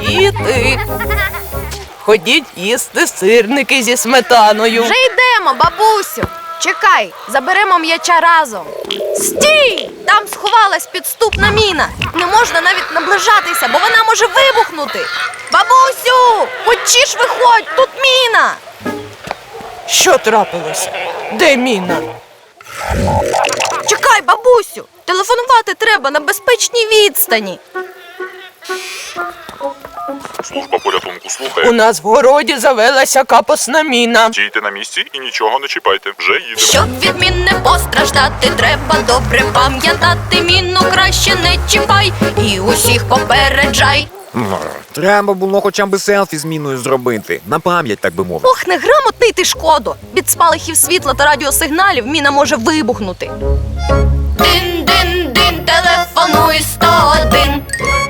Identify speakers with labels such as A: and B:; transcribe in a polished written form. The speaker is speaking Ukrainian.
A: Діти, ходіть їсти сирники зі сметаною.
B: Вже йдемо, бабусю. Чекай, заберемо м'яча разом. Стій! Там сховалась підступна міна. Не можна навіть наближатися, бо вона може вибухнути. Бабусю, хочеш виходь, тут міна.
A: Що трапилося? Де міна?
B: Чекай, бабусю, телефонувати треба на безпечній відстані.
C: Служба порятунку
A: У
C: слухає.
A: нас в городі завелася капосна міна.
C: Стійте на місці і нічого не чіпайте. Вже їдемо.
B: Щоб від мін не постраждати, треба добре пам'ятати. Міну краще не чіпай і усіх попереджай.
D: Треба було хоча б селфі з міною зробити. На пам'ять, так би мовити.
B: Ох, неграмотний ти, Шкодо! Від спалахів світла та радіосигналів міна може вибухнути. Дин-дин-дин, телефонуй 101.